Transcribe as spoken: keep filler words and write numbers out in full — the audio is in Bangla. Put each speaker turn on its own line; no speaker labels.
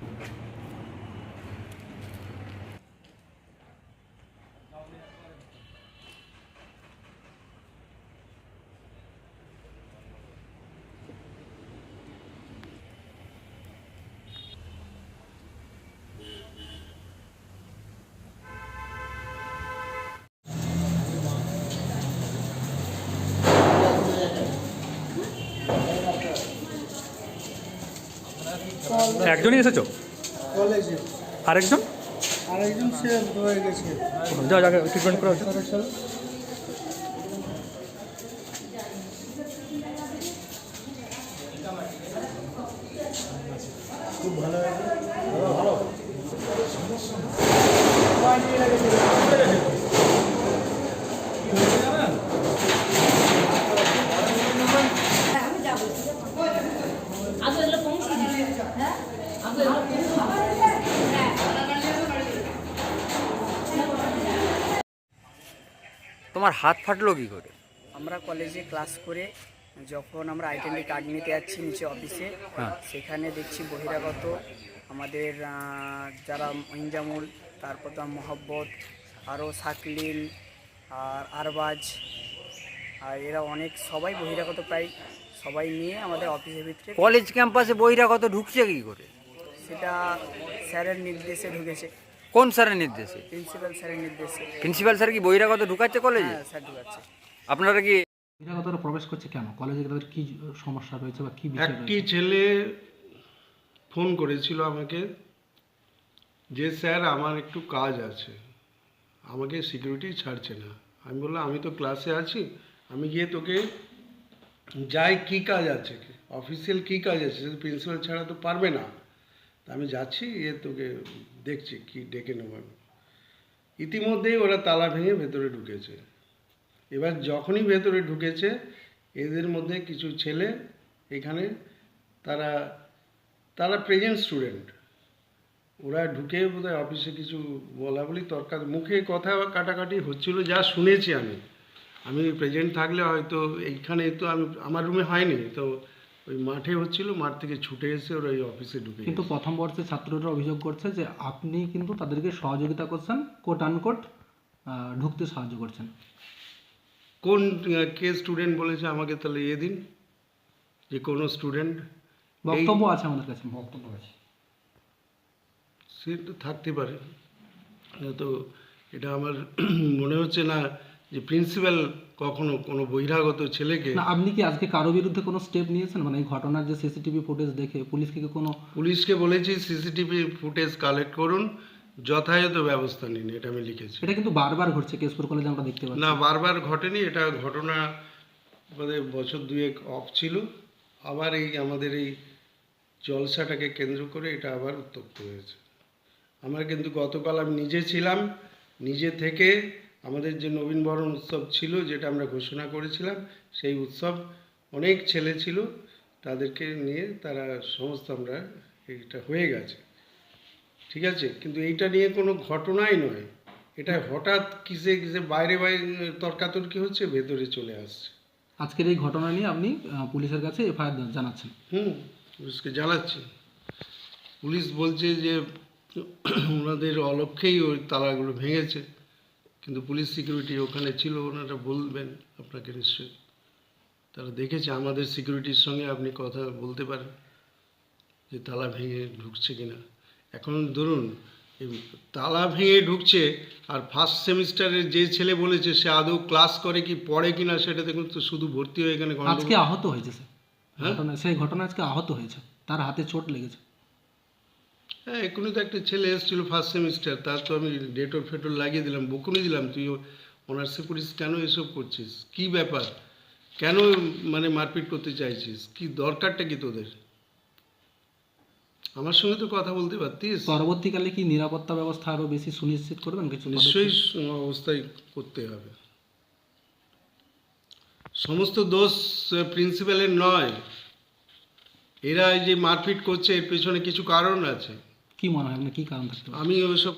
একজনই এসেছো?
কলেজে
আরেকজন?
আরেকজন সে হয়ে গেছে।
যা জায়গায় ট্রিটমেন্ট করা হচ্ছে।
খুব ভালো ভালো
তোমার হাত ফাটলো কি করে?
আমরা কলেজে ক্লাস করে যখন আমরা আইডেন্টি কার্ড নিতে যাচ্ছি নিচে অফিসে, সেখানে দেখছি বহিরাগত আমাদের যারা ইনজামুল, তারপর তো মোহাব্বত, আরও শাকলিন আর আরবাজ, আর এরা অনেক সবাই বহিরাগত প্রায় সবাই নিয়ে আমাদের অফিসের ভিতরে।
কলেজ ক্যাম্পাসে বহিরাগত ঢুকছে কি করে?
সেটা স্যারের নির্দেশে ঢুকেছে।
কোন স্যারের নির্দেশে?
প্রিন্সিপাল স্যারের নির্দেশে।
প্রিন্সিপাল স্যার কি বহিরাগত ঢুকাচ্ছে কলেজে?
হ্যাঁ স্যার ঢুকাচ্ছে।
আপনারা কি
বহিরাগতরা প্রবেশ করছে কেন কলেজে? তাদের কি সমস্যা রয়েছে বা কি বিষয়?
একটি ছেলে ফোন করেছিল আমাকে যে স্যার আমার একটু কাজ আছে, আমাকে সিকিউরিটি ছাড়ছে না। আমি বললাম আমি তো ক্লাসে আছি, আমি গিয়ে তোকে যাই কি কাজ আছে, অফিসিয়াল কি কাজ আছে, প্রিন্সিপাল ছাড়া তো পারবে না। আমি যাচ্ছি, এ তোকে দেখছি কি ডেকে নেব। ইতিমধ্যেই ওরা তালা ভেঙে ভেতরে ঢুকেছে। এবার যখনই ভেতরে ঢুকেছে, এদের মধ্যে কিছু ছেলে এখানে তারা তারা প্রেজেন্ট স্টুডেন্ট, ওরা ঢুকে বোধহয় অফিসে কিছু বলা বলি তর্কা মুখে কথা কাটাকাটি হচ্ছিল, যা শুনেছি আমি। আমি প্রেজেন্ট থাকলে হয়তো এইখানে তো আমি আমার রুমে হয়নি, তো ওই মাঠে হচ্ছিল, মাঠ থেকে ছুটে এসে ওরা ওই অফিসে ঢুকে।
কিন্তু প্রথম বর্ষের ছাত্ররা অভিযোগ করছে যে আপনি কিন্তু তাদেরকে সহযোগিতা করছেন, কোট আনকোট ঢুকতে সাহায্য করছেন।
কোন কে স্টুডেন্ট বলেছে আমাকে? তাহলে এ দিন যে কোনো স্টুডেন্ট
বক্তব্য আছে আমাদের কাছে, বক্তব্য আছে,
সে তো থাকতে পারে। তো এটা আমার মনে হচ্ছে না যে প্রিন্সিপাল কখনো কোনো বহিরাগত ছেলেকে।
না, আপনি কি আজকে কারো বিরুদ্ধে কোনো স্টেপ নিয়েছেন? মানে এই ঘটনার যে সিসিটিভি ফুটেজ দেখে পুলিশকে কি কোনো?
পুলিশকে বলেছি সিসিটিভি ফুটেজ কালেক্ট করুন, যথাযথ ব্যবস্থা নিন, এটা আমি লিখেছি।
এটা কিন্তু বারবার ঘটছে কেশপুর কলেজে, আমরা দেখতে পাচ্ছি।
না, বারবার ঘটেনি, এটা ঘটনা আমাদের বছর দুয়েক অফ ছিল, আবার এই আমাদের এই জলসাটাকে কেন্দ্র করে এটা আবার উত্তপ্ত হয়েছে। আমার কিন্তু গতকাল আমি নিজে ছিলাম, নিজে থেকে আমাদের যে নবীনবরণ উৎসব ছিল যেটা আমরা ঘোষণা করেছিলাম, সেই উৎসব অনেক ছেলে ছিল, তাদেরকে নিয়ে তারা সমস্ত আমরা এটা হয়ে গেছে, ঠিক আছে। কিন্তু এইটা নিয়ে কোনো ঘটনাই নয়, এটা হঠাৎ কিসে কিসে বাইরে বাইরে তর্কাতর্কি হচ্ছে, ভেতরে চলে আসছে।
আজকের এই ঘটনা নিয়ে আপনি পুলিশের কাছে এফআইআর জানাচ্ছেন?
হুম, পুলিশকে জানাচ্ছি। পুলিশ বলছে যে ওনাদের অলক্ষ্যেই ওই তালাগুলো ভেঙেছে, কিন্তু পুলিশ সিকিউরিটি ওখানে ছিল, ওনারা বলবেন আপনাকে নিশ্চয়ই, তারা দেখেছে। আমাদের সিকিউরিটির সঙ্গে আপনি কথা বলতে পারেন যে তালা ভেঙে ঢুকছে কিনা। এখন ধরুন তালা ভেঙে ঢুকছে, আর ফার্স্ট সেমিস্টারের যে ছেলে বলেছে সে আদৌ ক্লাস করে কি পড়ে কিনা সেটা দেখুন তো, শুধু ভর্তি হয়ে এখানে
আজকে আহত হয়েছে স্যার। হ্যাঁ, সেই ঘটনা আজকে আহত হয়েছে, তার হাতে চোট লেগেছে।
হ্যাঁ, এখনই তো একটা ছেলে এসেছিল ফার্স্ট সেমিস্টার, তার তো আমি ডেটর ফেটর লাগিয়ে দিলাম, বকুনি দিলাম, তুই অনার্সে পড়িস, কেন এসব করছিস, কি ব্যাপার, কেন মানে মারপিট করতে চাইছিস, কি দরকারটা কি তোদের? আমার সঙ্গে তো কথা বলতে পারতিস।
পরবর্তীকালে কি নিরাপত্তা ব্যবস্থা আরও বেশি সুনিশ্চিত করবেন? কিছু
নিশ্চয়ই অবস্থায় করতে হবে। সমস্ত দোষ প্রিন্সিপালের নয়, এরা এই যে মারপিট করছে এর পেছনে কিছু কারণ আছে।
কি মনে হয় আপনার, কি কারণ থাকতে পারে?
আমি ওসব